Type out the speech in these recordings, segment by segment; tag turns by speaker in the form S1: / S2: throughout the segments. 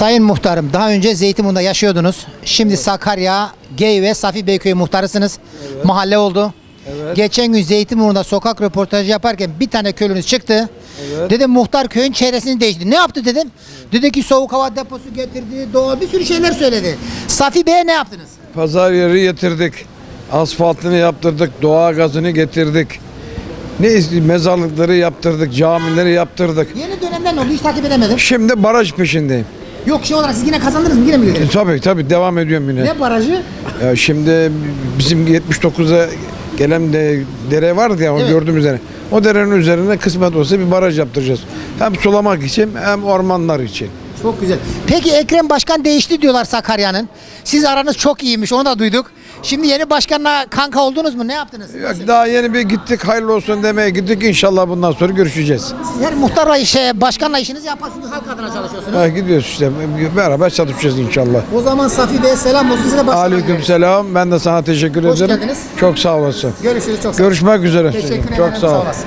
S1: Sayın Muhtarım, daha önce Zeytinburnu'nda yaşıyordunuz. Şimdi Sakarya, Gey ve Safi Beyköy muhtarısınız. Mahalle oldu. Geçen gün Zeytinburnu'nda sokak röportajı yaparken bir tane köylünüz çıktı. Dedim muhtar köyün çevresini değiştirdi. Ne yaptı dedim. Dedi ki soğuk hava deposu getirdi, doğa bir sürü şeyler söyledi. Safi Bey'e ne yaptınız?
S2: Pazar yeri getirdik. Asfaltını yaptırdık. Doğa gazını getirdik. Mezarlıkları yaptırdık. Camileri yaptırdık.
S1: Yeni dönemden ne oldu? Hiç takip edemedim.
S2: Şimdi baraj peşindeyim.
S1: Yok şey olarak siz yine kazandınız mı? Yine mi girdiniz?
S2: Tabii devam ediyorum yine.
S1: Ne barajı?
S2: Ya şimdi bizim 79'a gelen dere vardı ya, o
S1: Evet.
S2: gördüğümüz dere. O derenin üzerine kısmet olsa bir baraj yaptıracağız. Hem sulamak için hem ormanlar için.
S1: Çok güzel. Peki Ekrem Başkan değişti diyorlar Sakarya'nın. Siz aranız çok iyiymiş, onu da duyduk. Şimdi yeni başkanla kanka oldunuz mu? Ne yaptınız?
S2: Yok, daha yeni bir gittik, hayırlı olsun demeye gittik. İnşallah bundan sonra görüşeceğiz.
S1: Siz her muhtarla başkanla işinizi yaparsınız, halk adına çalışıyorsunuz.
S2: Ha, gidiyoruz işte, beraber çalışacağız inşallah.
S1: O zaman Safi Bey'e selam olsun, size başkanım.
S2: Aleykümselam. Ben de sana teşekkür
S1: Hoş
S2: ederim.
S1: geldiniz.
S2: Çok sağ olasın.
S1: Görüşürüz, çok sağ olun.
S2: Görüşmek üzere.
S1: Teşekkür ederim.
S2: Çok sağ ol.
S1: olasın.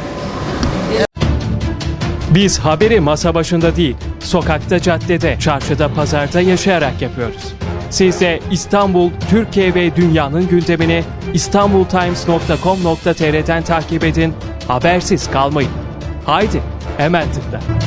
S3: Biz haberi masa başında değil, sokakta, caddede, çarşıda, pazarda yaşayarak yapıyoruz. Siz de İstanbul, Türkiye ve dünyanın gündemini istanbultimes.com.tr'den takip edin, habersiz kalmayın. Haydi, hemen tıkla.